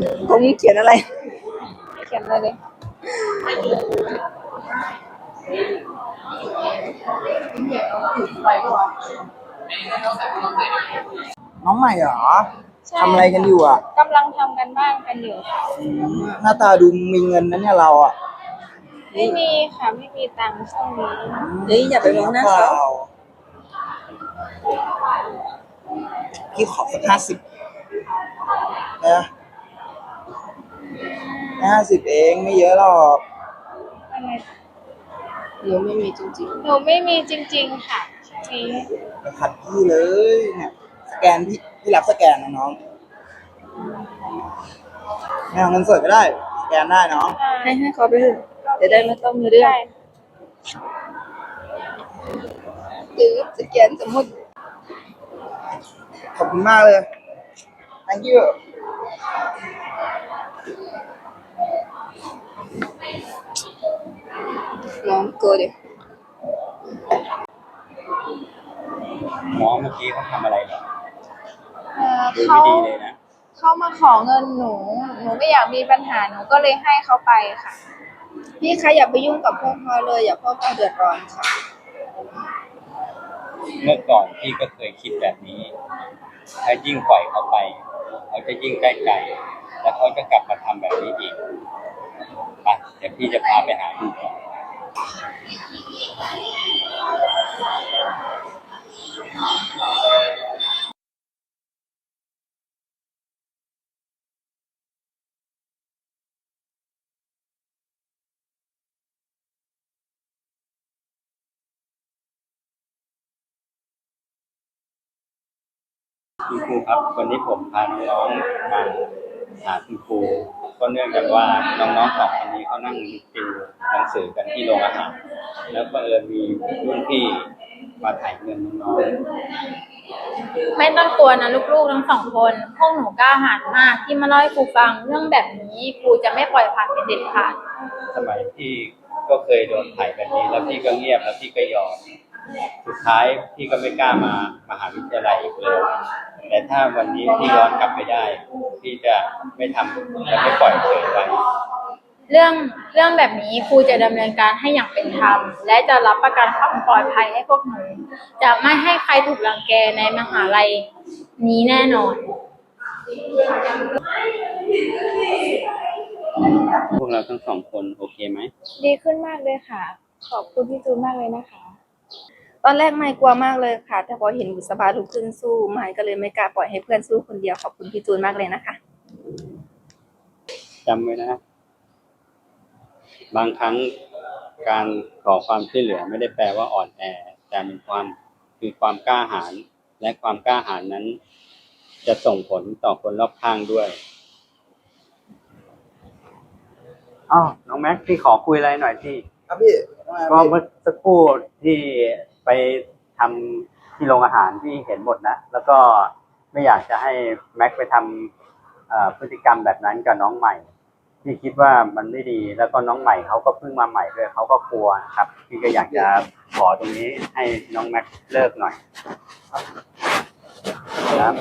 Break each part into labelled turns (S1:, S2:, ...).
S1: ผมเขียนอะไร
S2: เขียนอะไรเลย
S1: น้องใหม่เหรอ
S2: ใช่
S1: ทำอะไรกันอยู่อ่ะ
S2: กำลังทำกันบ้านกันอยู่ค่ะ
S1: หน้าตาดูมีเงินนะเนี่ยเราอ่ะ
S2: ไม่มีค่ะไม่มีตังค์ช่วงนี้
S1: เฮ้ยอย่าไปมองหน้าเขาพี่ขอสัก50นะ50เองไม่เยอะหรอก
S2: อะไร
S1: หนูไม่มีจริง
S2: หนูไม่มีจริงๆค่ะช่วงนี้
S1: ๆไปขัดพี่เลยเนี่ยสแกนพี่รับสแกนนะน้องไม่เอาเงินสดก็ได้สแกนได้เนาะให้เขาไปเถอะจะได้ไม่ต้องมีเรื่อง
S2: ได้
S1: หรือสแกนสมมติขอบคุณมากเลย thank you น้องโกดิ
S3: น้องเมื่อกี้เขาทำอะไรเหรอดู
S2: เขา
S3: ไม่ดีเลยนะ
S2: เขามาขอเงินหนูไม่อยากมีปัญหาหนูก็เลยให้เขาไปค่ะ
S1: พี่คะอย่าไปยุ่งกับพวกเขาเลยอย่าพวกเขาเดือดร้อนค่ะ
S3: เมื่อก่อนพี่ก็เคยคิดแบบนี้ ถ้ายิ่งปล่อยเขาไปเขาจะยิ่งใกล้ๆแล้วเขาจะกลับมาทำแบบนี้อีกไปเดี๋ยวพี่จะพาไปหาดูก่อนคุณครูครับวันนี้ผมพาน้องๆมาหาคุณครูก็เนื่องจากว่าน้องๆสองคนนี้เขานั่งติวหนังสือกันที่โรงอาหารแล้วก็มีรุ่นพี่มาถ่ายเงินน้องๆ
S4: ไม่ต้องกลัวนะลูกๆทั้งสองคนพวกหนูกล้าหาญมากที่มาเล่าให้ครูฟังเรื่องแบบนี้ครูจะไม่ปล่อยผ่านเป็นเด็ดขาด
S3: สมัยพี่ก็เคยโดนถ่ายแบบนี้แล้วพี่ก็เงียบแล้วพี่ก็ยอมสุดท้ายพี่ก็ไม่กล้ามามหาวิทยาลัยอีกเลยแต่ถ้าวันนี้พี่ย้อนกลับไปได้พี่จะไม่ทำจะไม่ปล่อยเฉยไว้
S4: เรื่องแบบนี้ครูจะดำเนินการให้อย่างเป็นธรรมและจะรับประกันความปลอดภัยให้พวกหนูจะไม่ให้ใครถูกรังแกในมหาลัยนี้แน่นอน
S3: พวกเราทั้งสองคนโอเคไหม
S2: ดีขึ้นมากเลยค่ะขอบคุณพี่จูนมากเลยนะคะ
S1: ตอนแรกไม่กลัวมากเลยค่ะแต่พอเห็นบุษบาลุกขึ้นสู้ไม่ก็เลยไม่กล้าปล่อยให้เพื่อนสู้คนเดียวขอบคุณพี่จูนมากเลยนะคะ
S3: จำไว้นะบางครั้งการขอความช่วยเหลือไม่ได้แปลว่าอ่อนแอแต่เป็นความกล้าหาญและความกล้าหาญนั้นจะส่งผลต่อคนรอบข้างด้วยน้องแม็กพี่ขอคุยอะไรหน่อยพี่
S1: ครับพี่
S3: ก็เมื่อสักครู่ที่ไปทำที่โรงอาหารที่เห็นหมดนะแล้วก็ไม่อยากจะให้แม็กไปทำพฤติกรรมแบบนั้นกับน้องใหม่พี่คิดว่ามันไม่ดีแล้วก็น้องใหม่เขาก็เพิ่งมาใหม่ด้วยเขาก็กลัวครับพี่ก็อยากจะขอตรงนี้ให้น้องแม็กเลิกหน่อยครับ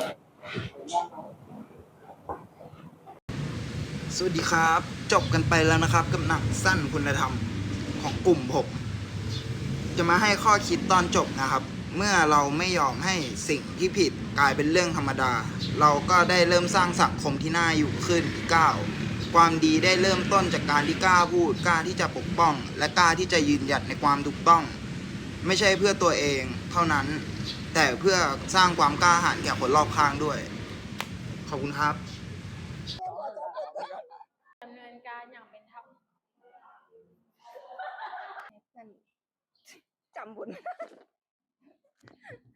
S1: สวัสดีครับจบกันไปแล้วนะครับกับหนังสั้นคุณธรรมของกลุ่มผมจะมาให้ข้อคิดตอนจบนะครับเมื่อเราไม่ยอมให้สิ่งที่ผิดกลายเป็นเรื่องธรรมดาเราก็ได้เริ่มสร้างสังคมที่น่าอยู่ขึ้นอีกก้าวความดีได้เริ่มต้นจากการที่กล้าพูดกล้าที่จะปกป้องและกล้าที่จะยืนหยัดในความถูกต้องไม่ใช่เพื่อตัวเองเท่านั้นแต่เพื่อสร้างความกล้าหาญแก่คนรอบข้างด้วยขอบคุณครับ
S4: ดำเนินการอย่างเป็นธรรม
S1: จำบุญ